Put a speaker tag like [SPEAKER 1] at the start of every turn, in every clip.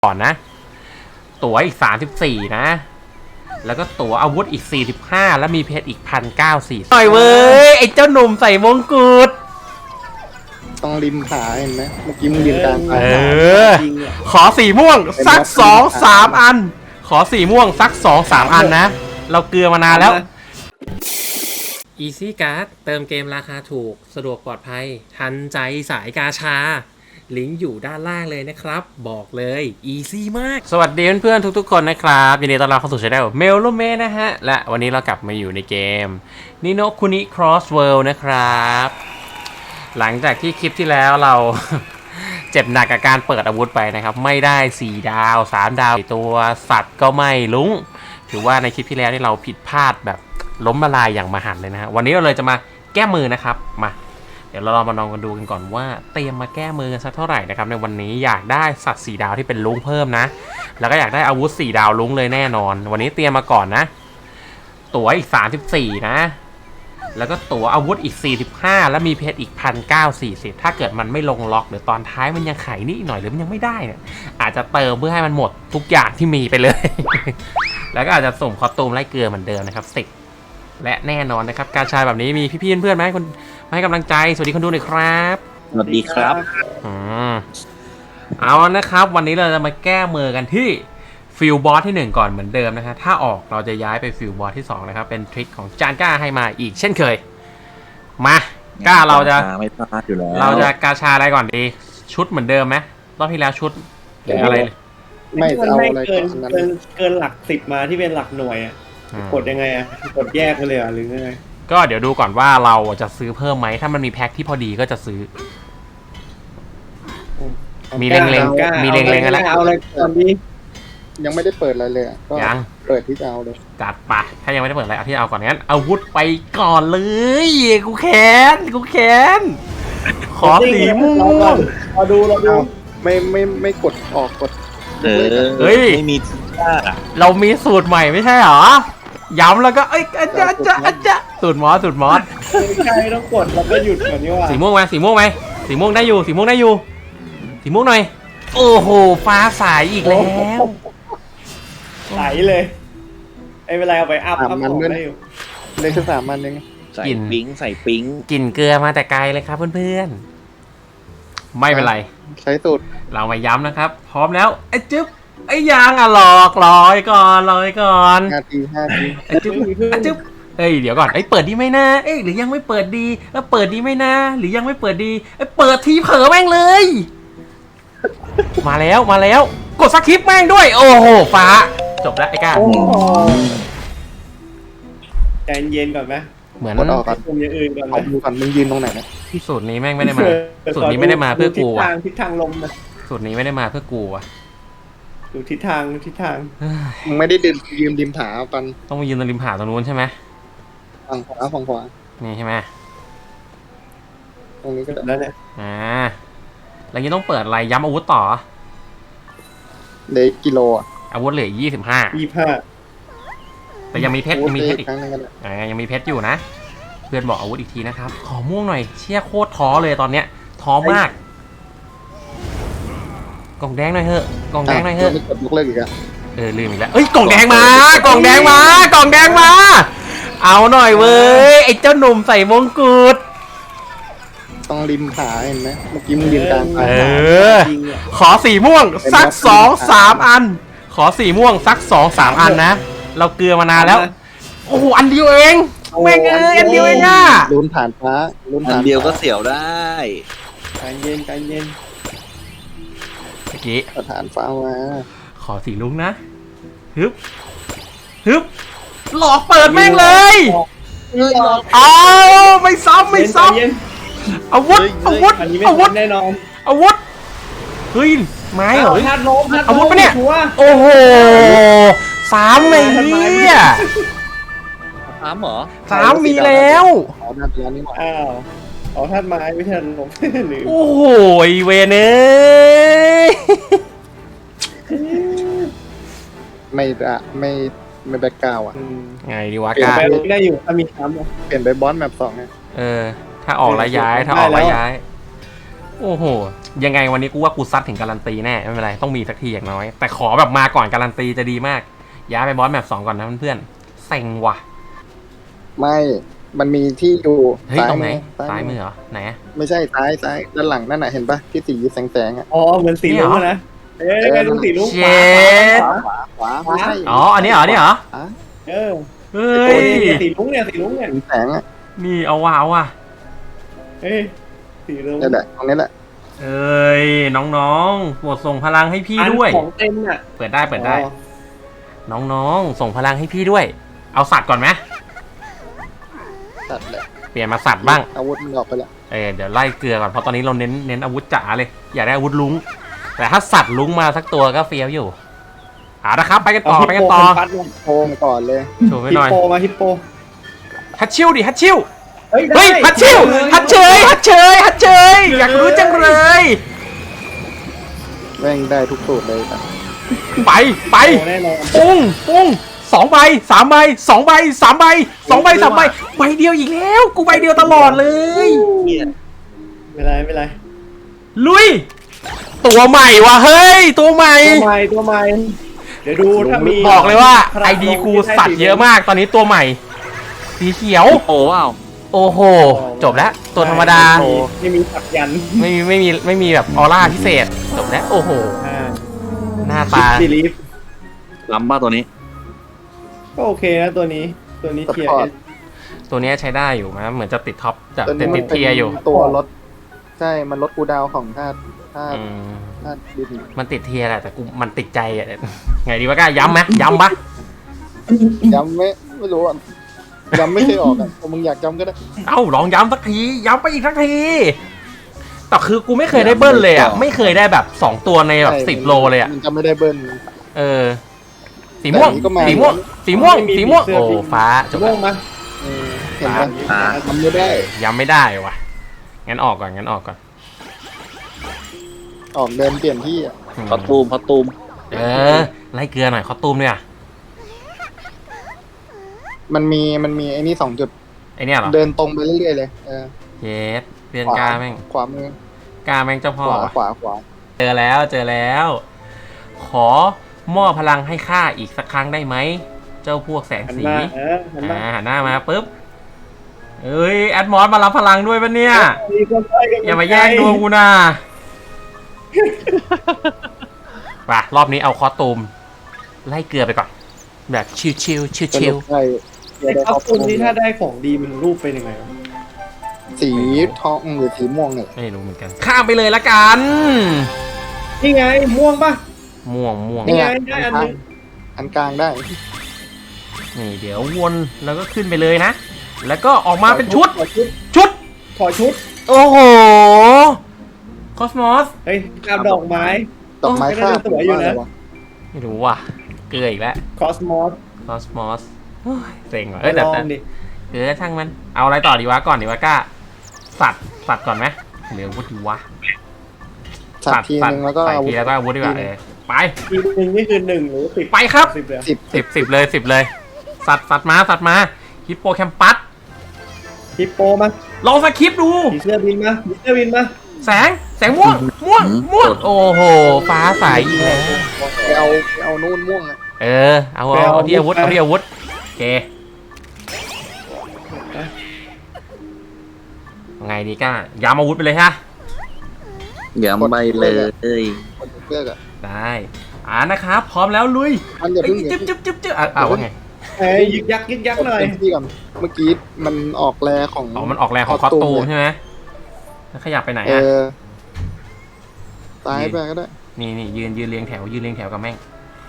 [SPEAKER 1] ก่อนนะตั๋วอีก34นะแล้วก็ตั๋วอาวุธอีก45แล้วมีเพชรอีก1,940หน่อยเว้ยไอ้เจ้าหนุ่มใส่มงกุฎ
[SPEAKER 2] ต้องริมขาเห็นไหมเมื่อกี้มึงยืนกลางขา
[SPEAKER 1] ขอสีม่วงสัก2-3อันขอสีม่วงสัก2-3อันนะเราเกลือมานานแล้ว Easy Card เติมเกมราคาถูกสะดวกปลอดภัยทันใจสายกาชาลิงก์อยู่ด้านล่างเลยนะครับบอกเลย Easy มากสวัสดีเพื่อนๆทุกๆคนนะครับยินดีต้อนรับเข้าสู่ช่องเมลโลเมนะฮะและวันนี้เรากลับมาอยู่ในเกมนิโนคุนิ Cross World นะครับหลังจากที่คลิปที่แล้วเรา เจ็บหนักกับการเปิดอาวุธไปนะครับไม่ได้4ดาว3ดาวตัวสัตว์ก็ไม่ลุ้งถือว่าในคลิปที่แล้วที่เราผิดพลาดแบบล้มละลายอย่างมหันต์เลยนะฮะวันนี้เราเลยจะมาแก้มือนะครับมาเดี๋ยวเราลองมาลองกันดูกันก่อนว่าเตรียมมาแก้มือกันสักเท่าไหร่นะครับในวันนี้อยากได้สัตว์4ดาวที่เป็นลุ้งเพิ่มนะแล้วก็อยากได้อาวุธ4ดาวลุ้งเลยแน่นอนวันนี้เตรียมมาก่อนนะตั๋วอีก34นะแล้วก็ตั๋วอาวุธอีก45แล้วมีเพชรอีก1,940ถ้าเกิดมันไม่ลงล็อกหรือตอนท้ายมันยังไขนิดหน่อยหรือมันยังไม่ได้เนี่ยอาจจะเติมเพื่อให้มันหมดทุกอย่างที่มีไปเลย แล้วก็อาจจะส่งคอสตูมไล่เกลือเหมือนเดิมนะครับ10และแน่นอนนะครับการชายแบบนี้มีพี่ๆเพื่อนๆไหมคนมาให้กำลังใจสวัสดีคนดูหน่อยครับ
[SPEAKER 3] สวัสดีครับ
[SPEAKER 1] เอานะครับวันนี้เราจะมาแก้มือกันที่ฟิลบอสที่1ก่อนเหมือนเดิมนะฮะถ้าออกเราจะย้ายไปฟิลบอสที่2นะครับเป็นทริคของจานก้าให้มาอีกเช่นเคยมาก้าเราจะ
[SPEAKER 3] ไม่พลาดอยู่แล้ว
[SPEAKER 1] เราจะกาชาอะไรก่อนดีชุดเหมือนเดิมไหมรอบที่แล้วชุดหรืออะไร
[SPEAKER 2] ไม่เอาอะไร
[SPEAKER 4] เกินหลัก10มาที่เป็นหลักหน่วยอ่ะกดยังไงอ่ะกดแยกไปเลยอ่ะหรือไง
[SPEAKER 1] ก็เดี๋ยวดูก่อนว่าเราจะซื้อเพิ่มไหมถ้ามันมีแพ็คที่พอดีก็จะซื้อมีเล็งๆมีเล็งๆกันแล้ว
[SPEAKER 4] เอาอะไรตอนนี้
[SPEAKER 2] ยังไม่ได้เปิดอะไรเลยก็
[SPEAKER 1] ยัง
[SPEAKER 2] เปิดที่จะเอาเลย
[SPEAKER 1] จัดปะถ้ายังไม่ได้เปิดอะไรเอาที่เอาก่อนงั้นอาวุธไปก่อนเลยกูแขนขอสีม่วง
[SPEAKER 4] เราดู
[SPEAKER 2] ไม่กดออกกด
[SPEAKER 1] เฮ้ย
[SPEAKER 3] ไม่มีทีท่า
[SPEAKER 1] เรามีสูตรใหม่ไม่ใช่หรอย้ำแล้วก็เอ้ยอาจารย์สูตรมอส
[SPEAKER 4] ใช่ต้องกดแล้วก็หยุดก่อนนี่ว่า
[SPEAKER 1] สีม่วงไหมสีม่วงได้อยู่สีม่วงหน่อยโอ้โหฟ้าสายอีกแล้ว
[SPEAKER 4] ใสเลยไอ้เวลาเอาไปอัพ
[SPEAKER 2] มันได้อยู่ได้แค่3มันเอง
[SPEAKER 3] ใส่ปิ๊ง
[SPEAKER 1] กลิ่นเกลือมาแต่ไกลเลยครับเพื่อนๆไม่เป็นไร
[SPEAKER 2] ใช้สูตร
[SPEAKER 1] เรามาย้ำนะครับพร้อมแล้วไอ้จึ๊บไอ้ยางอ่ะหลอกลอยก่อน
[SPEAKER 2] 5 ที
[SPEAKER 1] ไอ้จึ๊บเฮ้ยเดี๋ยวก่อนไอ้เปิดดีไหมนะเอ้ยหรือยังไม่เปิดดีแล้วเปิดดีไหมนะหรือยังไม่เปิดดีไอ้เปิดทีเผลอแม่งเลยมาแล้วกดสคริปต์แม่งด้วยโอ้โหฟ้าจบแล้วไอ้ก้า
[SPEAKER 4] ใจเย็นก่อนไหม
[SPEAKER 1] เหมือน
[SPEAKER 2] ออกก่อน
[SPEAKER 4] อย่างอื่นก่อน
[SPEAKER 2] เอาดูก่อนมึงยืนตรงไหนนะ
[SPEAKER 1] สูตรนี้แม่งไม่ได้มาสูตรนี้ไม่ได้มาเพื่อกูอ่ะ
[SPEAKER 4] ทิศทางลมนะ
[SPEAKER 1] สูตรนี้ไม่ได้มาเพื่อกูอ่ะ
[SPEAKER 4] ดูทิศทาง
[SPEAKER 2] มึงไม่ได้ยืมริมผาปัน
[SPEAKER 1] ต้องมายืนตรงริมผาตรงนู้นใช่ไหม
[SPEAKER 2] ฝั่งขวา
[SPEAKER 1] นี่ใช่ไหม
[SPEAKER 2] ตรงนี้ก็ได้
[SPEAKER 4] แล้วเนี่ย
[SPEAKER 1] แล้วยังต้องเปิดอะไรย้ำอาวุธต่อ
[SPEAKER 2] เดกิโล
[SPEAKER 1] อาวุธเหลือ25แต่ยังมีเพชรอีกยังมีเพชรอยู่นะเพื่อนบอกอาวุธอีกทีนะครับขอม่วงหน่อยเชี่ยโคตรท้อเลยตอนเนี้ยท้อมากกล่องแดงหน่อยเถอะ
[SPEAKER 2] ไม่กดยกเลิกอีกอ่ะ
[SPEAKER 1] ลืมอีกแล้วเอ้ยกล่องแดงมากล่องแดงมาเอาหน่อยเว้ยไอ้เจ้าหนุ่มใส่มงกุฎ
[SPEAKER 2] ต้องริมขาเห็นไหมเมื่อกี้มึงยืนกลาง
[SPEAKER 1] ขอสีม่วงสัก2-3อันขอสีม่วงสัก2-3อันนะเราเกลือมานานแล้วโอ้โหอันเดียวเองแม่งอันเดียวเองอ่ะ
[SPEAKER 2] ลุ้นผ่านฟ้า
[SPEAKER 3] อันเดียวก็เสียวได้
[SPEAKER 4] ใจเย็น
[SPEAKER 1] เมื่อกี้
[SPEAKER 2] ผ่านฟ้ามา
[SPEAKER 1] ขอสีลุงนะฮึบหลอกเปิดแม่งเลยเอาไม่ซ้ำอาวุธ
[SPEAKER 4] แน่นอน
[SPEAKER 1] อาวุธเฮ้ยไม้เหรออาวุธปะเนี่ยโอ้โห3เลยเนี่ย
[SPEAKER 3] 3เหรอ
[SPEAKER 1] 3มีแล้ว
[SPEAKER 4] อ๋อท่านไม้ไม่ใช่ลม
[SPEAKER 1] โอ้โหเวเน
[SPEAKER 2] ไม่แบ็คกราวอ่ะ
[SPEAKER 1] ไงดีวะ
[SPEAKER 4] ก้าได้อยู่ถ้ามีซ้ำ
[SPEAKER 2] เปลี่ยนไปบอสแมป2ไง
[SPEAKER 1] ถ้าออกระย้ายโอ้โหยังไงวันนี้กูว่ากูซัดถึงการันตีแน่ไม่เป็นไรต้องมีสักทีอย่างน้อยแต่ขอแบบมาก่อนการันตีจะดีมากย้ายไปบอสแมป2ก่อนนะเพื่อนๆเซ็งว่ะ
[SPEAKER 2] ไม่มันมีที่อยู่
[SPEAKER 1] เฮ้ย
[SPEAKER 2] ซ้าย
[SPEAKER 1] ตรงไหน
[SPEAKER 2] มือ
[SPEAKER 1] ซ้ายมือเหรอไหนอะ
[SPEAKER 2] ไม่ใช่ซ้ายด้านหลังนั่นน่ะเห็นปะที่สีแสงๆอ่ะ
[SPEAKER 4] อ๋อเหมือนสีลุงอะนะเอ้ยไงลุงสีลุง
[SPEAKER 1] เช
[SPEAKER 4] ขวา
[SPEAKER 1] ด
[SPEAKER 2] ขวาไม่ใช่
[SPEAKER 1] อ๋ออันนี้เหรอนี่เหรอ
[SPEAKER 4] เออ
[SPEAKER 1] เฮ้
[SPEAKER 4] โอ้
[SPEAKER 1] ย
[SPEAKER 4] ยสีลุงเนี่ยสีลุงเนี่ย
[SPEAKER 2] สีแสงอ่ะ
[SPEAKER 1] นี่เอาว่ะ
[SPEAKER 4] เอ้ยสีลุง
[SPEAKER 2] นี่นแหละตรงนี้แหละ
[SPEAKER 1] เอ้ยน้องๆโปรดส่งพลังให้พี่ด้วย
[SPEAKER 4] ของเต็มอ่ะ
[SPEAKER 1] เปิดได้น้องๆส่งพลังให้พี่ด้วย เอาสัตว์ก่อนไหม
[SPEAKER 2] ตัดแหละ
[SPEAKER 1] เปลี่ยนมาสัตว์บ้าง
[SPEAKER 2] อาวุธมันออกไปแล้ว
[SPEAKER 1] เดี๋ยวไล่เกลือก่อนเพราะตอนนี้เราเน้นอาวุธจ๋าเลยอยากได้อาวุธลุงแต่ถ้าสัตว์ลุงมาสักตัวก็เฟี้ยวอยู่นะครับไปกันต่อ
[SPEAKER 4] ฮิปโปพัดมา
[SPEAKER 2] โค้งก่อนเลย
[SPEAKER 1] โชว์ไป
[SPEAKER 4] ฮิ
[SPEAKER 1] ห
[SPEAKER 4] ป
[SPEAKER 1] น่อย
[SPEAKER 4] โปมาฮิปโป
[SPEAKER 1] ฮัตชิวดิฮัตชิว
[SPEAKER 4] เฮ้ย
[SPEAKER 1] เฮ้ยฮัตชิวฮัตเชยอยากรู้จังเลย
[SPEAKER 2] แม่งได้ทุกสูตรเลยครับ
[SPEAKER 1] ไป
[SPEAKER 4] แน่นอน
[SPEAKER 1] ปุ้ง2 ใบ 3 ใบ 2 ใบ 3 ใบ 2 ใบ 3 ใบใบเดียวอีกแล้วกูใบเดียวตลอดเลย
[SPEAKER 4] ไม่เป็นไร
[SPEAKER 1] ลุยตัวใหม่ว่ะเฮ้ยตัวใหม่
[SPEAKER 4] ตัวใหม่เดี๋ยวดูถ้ามี
[SPEAKER 1] บอกเลยว่าไอดีกูสัตว์เยอะมากตอนนี้ตัวใหม่ สีเขียว
[SPEAKER 3] โอ้ว้าว
[SPEAKER 1] โอ้โหจบแล้วตัวธรรมดา
[SPEAKER 4] ไม่มีสักยัน
[SPEAKER 1] ไม่มีแบบออร่าพิเศษจบแล้วโอ้โหหน้าตา
[SPEAKER 4] ซีรีฟ
[SPEAKER 3] ล้ำป่ะตัวนี้
[SPEAKER 4] ก็โอเคนะตัวนี้เทียร์
[SPEAKER 1] ตัวเนี้ยใช้ได้อยู่นะเหมือนจะติดท็อปจะ
[SPEAKER 2] ตัว
[SPEAKER 1] ติ
[SPEAKER 2] นี้
[SPEAKER 1] ด
[SPEAKER 2] มั
[SPEAKER 1] ติ
[SPEAKER 2] น
[SPEAKER 1] ด
[SPEAKER 2] เป็น
[SPEAKER 1] เทียร์อยู่
[SPEAKER 2] ตัวลดใช่มันลดกูดาวของธาตุ
[SPEAKER 1] อืม
[SPEAKER 2] ดิน
[SPEAKER 1] มันติดเทียร์แหละแต่กูมันติดใจอ่ะไงดีวะก้าย้ำไหมย้ำปะ
[SPEAKER 2] ย้ำไม่รู้อ่ะย้ำไม่เคยออกอ่ะถ้ามึงอยากย้ำก็ได้
[SPEAKER 1] เอ้าลองย้ำสักทีย้ำไปอีกสักทีแต่คือกูไม่เคยได้เบิ้ลเลยอ่ะไม่เคยได้แบบ2ตัวในแบบ10 โลเลยอ่ะ
[SPEAKER 2] มันจะไม่ได้เบิ้ล
[SPEAKER 1] สีม่วง
[SPEAKER 2] แต่อันนี้ก็มา
[SPEAKER 1] สีม่วงโอ้ฟ้าจบ
[SPEAKER 4] ม่ว
[SPEAKER 1] ละ
[SPEAKER 4] งมา
[SPEAKER 2] เห็นปะทำไม่ได้
[SPEAKER 1] ย้ำไม่ได้ว่ะงั้นออกก่อน
[SPEAKER 2] ออกเดินเปลี่ยนที่อ่ะ
[SPEAKER 3] พอตูม
[SPEAKER 1] ไล่เกลือหน่อยคอตุ้มด้วยอ่ะ
[SPEAKER 2] มันมีไอ้นี่2 จุด
[SPEAKER 1] ไอเนี้ยเหรอ
[SPEAKER 2] เดินตรงไปเรื่อยๆเลย
[SPEAKER 1] เยสเรียนกาแม่ง
[SPEAKER 2] ขวามือก
[SPEAKER 1] าแม่งเจ้าพ่อ
[SPEAKER 2] ขวา
[SPEAKER 1] เจอแล้ว ขอมอบพลังให้ข้าอีกสักครั้งได้ไหม เจ้าพวกแสง
[SPEAKER 4] หัน
[SPEAKER 1] สี
[SPEAKER 4] มาหันมา
[SPEAKER 1] หันหน้ามาปุ๊บเอ้ยแอดมอสมารับพลังด้วยปะเนี่ย อย่ามาแย่งดวงกูนะป่ะรอบนี้เอาคอสตูมไล่เกลือไปก่อน แบบชิว
[SPEAKER 2] สรุปได้
[SPEAKER 4] ไอ้ข้าวปุ้นนี่ถ้าได้ของดีมันรูปเป็นยังไงวะ
[SPEAKER 2] สีทองหรือสีม่วงเนี่ย
[SPEAKER 1] ไม่รู้เหมือนกัน ข้ามไปเลยละกัน
[SPEAKER 4] นี่ไงม่วงปะ
[SPEAKER 1] ม่วง
[SPEAKER 4] นี่ไงได้อันนึง
[SPEAKER 2] อันกลางได้
[SPEAKER 1] นี่เดี๋ยววนแล้วก็ขึ้นไปเลยนะ แล้วก็ออกมาเป็นชุด
[SPEAKER 4] ขอชุด
[SPEAKER 1] โอ้โหคอสมอส
[SPEAKER 4] เฮ้ยกาบดอกไม้
[SPEAKER 2] ดอกไม้คาบ
[SPEAKER 4] สวยอยู่นะ
[SPEAKER 1] ไม่รู้ว่ะเกลืออีกแล้ว
[SPEAKER 4] คอสมอส
[SPEAKER 1] คอสมอสเซ็งว่ะเอ้ยแต่
[SPEAKER 4] ลองดิ
[SPEAKER 1] เกลือช่างมันเอาอะไรต่อดีวะก่อนดีวะก้าสัตว์ก่อนไหมหรืออาวุธดีวะ
[SPEAKER 2] สัตว์ทีนึงแล้วก็
[SPEAKER 1] ใส่
[SPEAKER 2] อาวุ
[SPEAKER 1] ที
[SPEAKER 2] ธ
[SPEAKER 1] แล้วก็อาวุธดีกว่าไป
[SPEAKER 4] ทีนึงนี่คือ1หรือ10
[SPEAKER 1] ไปครับ
[SPEAKER 4] 10เลย
[SPEAKER 2] 10
[SPEAKER 1] 10เลยสัตว์มาฮิปโปแคมปัส
[SPEAKER 4] ฮิปโปมา
[SPEAKER 1] ลองสคริปต์ดู
[SPEAKER 4] ผีเสื้อบินมา
[SPEAKER 1] แสงม่วงโอ้โหฟ้าใสอีกแล้ว
[SPEAKER 2] ไปเอานู่นม่วงอ่ะ
[SPEAKER 1] เอาที่อาวุธโอเคไงดีก้าย้ำอาวุธไปเลยฮะ
[SPEAKER 3] อย่าไปเลย
[SPEAKER 2] คนเสื้ออ่ะ
[SPEAKER 1] ได้นะครับพร้อมแล้วลุย
[SPEAKER 2] มันอย่าเพิ่ง
[SPEAKER 1] จึ๊บว่าไง
[SPEAKER 4] เอ้ยยึกยักหน่อย
[SPEAKER 2] เต็มที่ก่อนเมื่อกี้มันออกแรของ
[SPEAKER 1] มันออกแรงของคอสตูมใช่ไหมแล้วขยับไปไหนอ่ะ
[SPEAKER 2] ตายไปก็ได้
[SPEAKER 1] นี่ยืนเรียงแถวกับแม่ง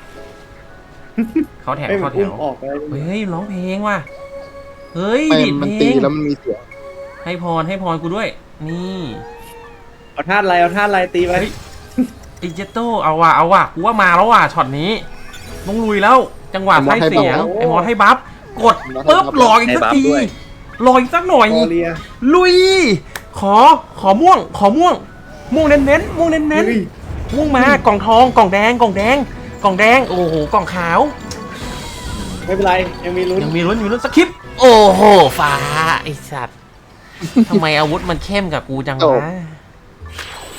[SPEAKER 1] เขาแถว
[SPEAKER 4] เฮ้ยมันอุ้มออกไป
[SPEAKER 1] เฮ้ยร้องเพลงว่ะเฮ้ย
[SPEAKER 2] ไม่
[SPEAKER 1] ดิด
[SPEAKER 2] มัน
[SPEAKER 1] เพล
[SPEAKER 2] ตี
[SPEAKER 1] ง
[SPEAKER 2] แล้วมันมีเสียง
[SPEAKER 1] ให้พรกูด้วยนี่
[SPEAKER 4] เอาธาตุอะไรตีไป
[SPEAKER 1] อิเจโต้เอาว่ะกูว่ามาแล้วว่ะช็อตนี้ต้องลุยแล้วจังหวะไส้เสียงไอ้มอสให้บัฟกดปุ๊บรออีกสักทีรออีกสักหน่อย
[SPEAKER 4] โอเลีย
[SPEAKER 1] ลุยขอม่วงเน้นม่วงมากล่องทองกล่องแดงโอ้โหกล่องขาว
[SPEAKER 4] ไม่เป็นไรยังมีลุ้น
[SPEAKER 1] สคริปต์โอ้โหฟ้าไอสัตว์ทำไมอาวุธมันเข้มกับกูจังวะ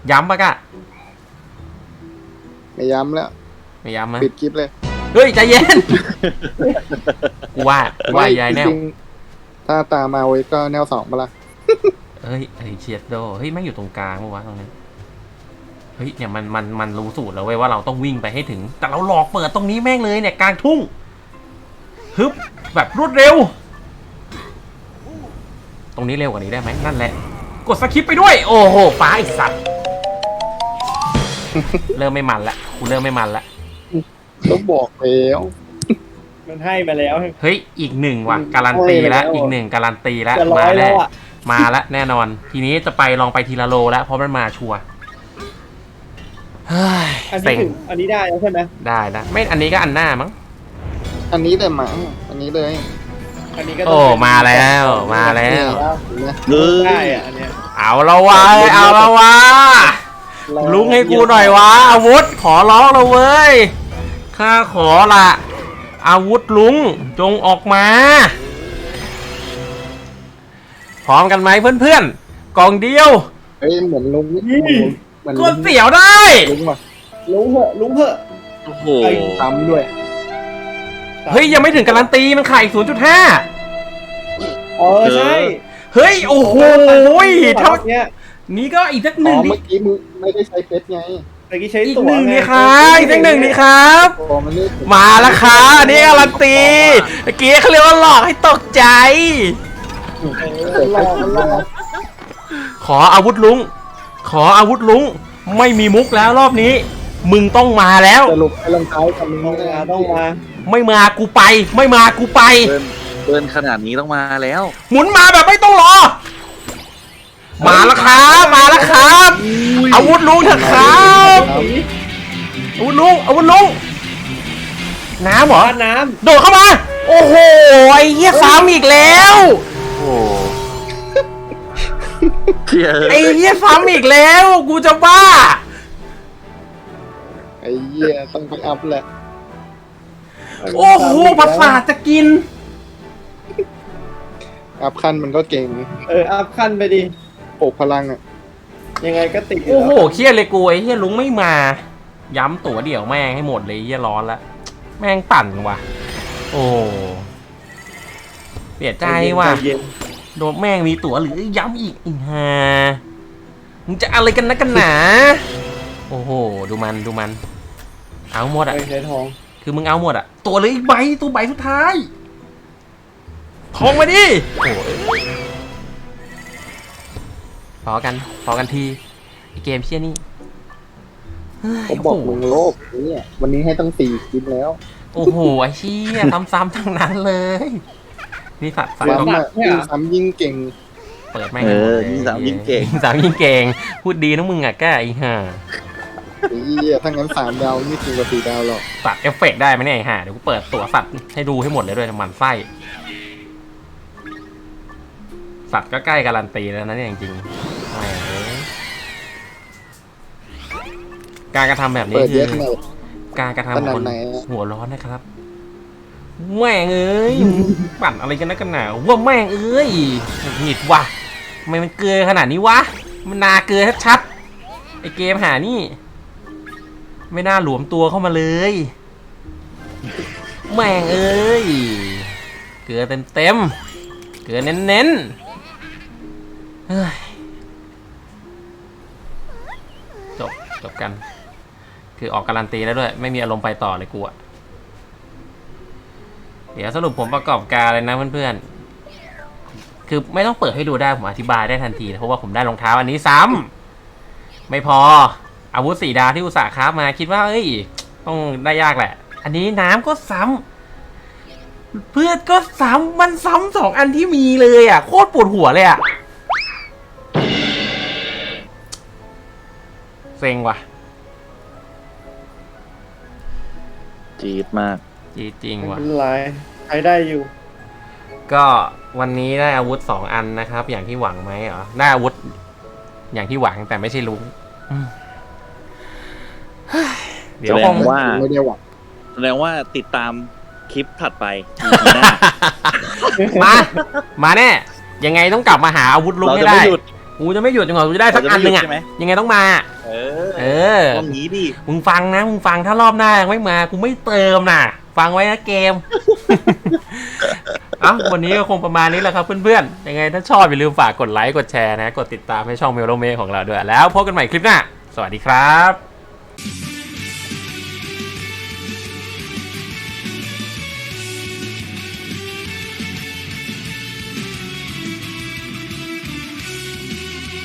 [SPEAKER 1] ย้ำปะกะ
[SPEAKER 2] ไม่ย้ำแล้ว
[SPEAKER 1] ไม่ย้ำมั้ย
[SPEAKER 2] ปิดคลิปเลย
[SPEAKER 1] เฮ้ยใจเย็น กูว่ายายแนว
[SPEAKER 2] จริงๆถ้าตามมาไว้ก็แนว2มาละ
[SPEAKER 1] เฮ้ยเชียดโดเฮ้ยแม่งอยู่ตรงกลางปะวะตรงนี้เฮ้ยเนี่ยมันรู้สูตรแล้วเว้ยว่าเราต้องวิ่งไปให้ถึง แต่เราหลอกเปิดตรงนี้แม่งเลยเนี่ยกลางทุ่งฮึบแบบรวดเร็ว ตรงนี้เร็วกว่านี้ได้ไหมนั่นแหละกดสคิปไปด้วยโอ้โหฟ้าไอสัตว์ เริ่มไม่มันละกูเริ่มไม่มันละ
[SPEAKER 2] ก็บอกแล้ว
[SPEAKER 4] มันให้มาแล้ว
[SPEAKER 1] เฮ้ยอีกหนึ่งว่ะการันตีแล้วอีกหนึ่งการันตีแล้ว
[SPEAKER 4] จะร้
[SPEAKER 1] มา
[SPEAKER 4] อยแล้
[SPEAKER 1] แล้ว
[SPEAKER 4] วอ่ะ
[SPEAKER 1] มาแล้วแน่นอน ทีนี้จะไปลองไปทีละโลแล้วเพราะมันมาชัวร์เฮ้ย
[SPEAKER 4] อัน
[SPEAKER 1] เซ็
[SPEAKER 4] นี้
[SPEAKER 1] ง
[SPEAKER 4] ถึงอันนี้ได้แล้วใช่ไหม
[SPEAKER 1] ได้นะไม่อันนี้ก็อันหน้ามั้ง
[SPEAKER 2] อันนี้เลยมั้งอันนี้เลย
[SPEAKER 4] อันนี้ก็ต้
[SPEAKER 1] โอ้
[SPEAKER 4] งเป็น
[SPEAKER 1] มาแล้วมาแล้ว
[SPEAKER 2] เห็นไหม
[SPEAKER 4] ได้อ่ะอันเนี้ย
[SPEAKER 1] เอาละวะเอาละวะลุงให้กูหน่อยวะอาวุธขอร้องแล้วเว้ยข้าขอละอาวุธลุงจงออกมาพร้อมกันไหมเพื่อนๆกล่องเดียว
[SPEAKER 2] เฮ้ยเหมือนลุงเหมือน
[SPEAKER 1] กดเสียวได้
[SPEAKER 2] ลุงว่ะ
[SPEAKER 4] ลุงเหอะ
[SPEAKER 3] โอ้โห
[SPEAKER 2] ซ้ำด้วย
[SPEAKER 1] เฮ้ยยังไม่ถึงการันตีมันขายอีก 0.5
[SPEAKER 4] ใช่
[SPEAKER 1] เฮ้ยโอ้โหเท่า
[SPEAKER 4] เนี้ย
[SPEAKER 1] นี้ก็อีกสักห
[SPEAKER 2] อ๋
[SPEAKER 1] นึ่
[SPEAKER 2] อง เมื่อกี้มึงไม่ได้ใช้เฟซไง
[SPEAKER 4] เมื่อกี้ใช้
[SPEAKER 1] อีก
[SPEAKER 4] ตั๋ว
[SPEAKER 1] หนึ่ง
[SPEAKER 4] ไ
[SPEAKER 1] นี่ครับอีกสักหนึ่งนี่ครับ
[SPEAKER 2] โอ้มันนี่
[SPEAKER 1] มาแล้วครับอันนี้การันตีเมื่อกี้เขาเรียกว่าหลอกให้ตกใจ
[SPEAKER 2] รอมันรอ
[SPEAKER 1] ขออาวุธลุงขออาวุธลุงไม่มีมุกแล้วรอบนี้ มึงต้องมาแล้ว
[SPEAKER 2] สรุปไอ้รองเท้ากับมึง
[SPEAKER 4] ต้องมา
[SPEAKER 1] ไม่มากูไป ไม่มากูไป
[SPEAKER 3] เดินขนาดนี้ต้องมาแล้ว
[SPEAKER 1] หมุนมาแบบไม่ต้องรอ มาแล้วครับมาแล้วครับอาวุธลุงเถอะครับอาวุธลุงน้ำเหรอ
[SPEAKER 4] บ้านน้
[SPEAKER 1] โดดเข้ามา โอ้โหไอ้เหี้ยซ้ำอีกแล้ว
[SPEAKER 3] โอ้เชี่ย
[SPEAKER 1] ไอ้เหี้ยซ้ำอีกแล้วกูจะบ้า
[SPEAKER 2] ไอ้เหี้ยต้องไปอัพแหละ
[SPEAKER 4] ำ
[SPEAKER 1] โอ้โหประสาทจะกิน
[SPEAKER 2] อัพขั้นมันก็เก่ง
[SPEAKER 4] อัพขั้นไปดิ
[SPEAKER 2] ปลุกพลังอ่ะ
[SPEAKER 4] ยังไงก็ติดยู่
[SPEAKER 1] โอ้โห
[SPEAKER 4] แล้ว
[SPEAKER 1] เครียดเลยกูไอ้เหี้ยลุงไม่มา ย้ำตั๋วเดี่ยวแม่งให้หมดเลยเหี้ยร้อนละแม่งปั่นว่ะ โอ้เสียใจว่ะ
[SPEAKER 4] เย็น
[SPEAKER 1] โดนแม่งมีตั๋วหรือย้ำอีกอีห่ามึงจะอะไรกันนะกันหนา โอ้โหดูมันเอาหมด
[SPEAKER 4] ๆ
[SPEAKER 1] อ่ะ
[SPEAKER 4] ไปใช้ทอง
[SPEAKER 1] คือมึงเอาหมดอ่ะตัวเหลยอีกใบตัวใบสุดท้ายทองมาดิโอ้ยพอกันทีไอเกมเชี่ยนี่เฮ้ย
[SPEAKER 2] ผมบอกมึงโลภเนี่ยวันนี้ให้ตั้ง4คลิปแล้ว
[SPEAKER 1] โอ้โหไอเชี่ยซ้ำๆทั้งนั้นเลยนี่สัตว์
[SPEAKER 2] ซ้ำอ่ะยิ่งซ้ำยิ่งเก่ง
[SPEAKER 1] เปิดแม่งให้หมดเลย
[SPEAKER 3] ยิ่งสาวยิ่งเก่ง
[SPEAKER 1] ยิ่งสามยิ่งเก่งพูดดีนะมึงอ่ะแกไอ้ห่า
[SPEAKER 2] ไอ้เหี้ยถ้างั้น3 ดาวนี่จริงกว่า4 ดาวหรอก
[SPEAKER 1] ตัดเอฟเฟกต์ได้ไหมเนี่ยไอ้ห่าเดี๋ยวกูเปิดตัวสัตว์ให้ดูให้หมดเลยด้วยมันไส้สัตว์ก็ใกล้การันตีแล้วนะเนี่ยจริงๆแหมการกระทำแบบนี้
[SPEAKER 2] เปิด
[SPEAKER 1] คื
[SPEAKER 2] เย
[SPEAKER 1] อ
[SPEAKER 2] อะขนาด
[SPEAKER 1] การกระทำ
[SPEAKER 2] ข
[SPEAKER 1] ของ
[SPEAKER 2] นาด
[SPEAKER 1] คน
[SPEAKER 2] ไหนอะ
[SPEAKER 1] หัวร้อนนะครับแม่งเอ้ยปั่นอะไรกันนักกันหนาว่าแม่งเอ้ยหงิดว่ะทำไมมันเกลือขนาดนี้วะมันนาเกลือชัดๆไอเกมหานี่ ไม่น่าหลวมตัวเข้ามาเลยแม่งเอ้ยเกลือเต็มเกลือเน้นๆเฮ้ยจบกัน คือออกการันตีแล้วด้วยไม่มีอารมณ์ไปต่อเลยกูอะเดี๋ยวสรุปผมประกอบการเลยนะเพื่อนๆคือไม่ต้องเปิดให้ดูได้ผมอธิบายได้ทันทีเพราะว่าผมได้รองเท้าอันนี้ซ้ำไม่พออาวุธ4 ดาวที่อุตส่าห์คราฟมาคิดว่าเอ้ยต้องได้ยากแหละ อันนี้น้ำก็ซ้ำเพื่อนก็ซ้ำมันซ้ำ2 อันที่มีเลยอ่ะโคตรปวดหัวเลยอ่ะเซ็งว่ะ
[SPEAKER 3] จี๊ดมาก
[SPEAKER 1] จริง
[SPEAKER 4] ไม่
[SPEAKER 1] ว่ะ
[SPEAKER 4] เป็นไรใช้ได้อยู่
[SPEAKER 1] ก็วันนี้ได้อาวุธ2 อันนะครับ อย่างที่หวังไหมเหรอได้อาวุธอย่างที่หวังแต่ไม่ใช่ลุงเดี๋ยว
[SPEAKER 3] แสด
[SPEAKER 1] ค
[SPEAKER 3] ง
[SPEAKER 1] ง
[SPEAKER 3] ว่า
[SPEAKER 2] ไม่ได้หวัง
[SPEAKER 3] แสดงว่าติดตามคลิปถัดไป
[SPEAKER 1] มาแน่ยังไงต้องกลับมาหาอาวุธลุง
[SPEAKER 3] เรา
[SPEAKER 1] ให้
[SPEAKER 3] จะ
[SPEAKER 1] ได้
[SPEAKER 3] ไม่หยุด
[SPEAKER 1] กูจะไม่หยุดจนกว่ากูจะได้สักอันหนึ่งอ่ะยังไงต้องมา
[SPEAKER 3] เอ
[SPEAKER 1] เอ
[SPEAKER 3] อ
[SPEAKER 1] อ
[SPEAKER 3] ต้องงี้ดิ
[SPEAKER 1] มึงฟังนะมึงฟังถ้ารอบหน้ายังไม่มากูไม่เติมนะฟังไว้นะเกม เอ้าวันนี้ก็คงประมาณนี้แหละครับเพื่อนๆยังไงถ้าชอบอย่าลืมฝากกดไลค์กดแชร์นะกดติดตามให้ช่องเมโลเมของเราด้วยแล้วพบกันใหม่คลิปหน้าสวัสดีครับ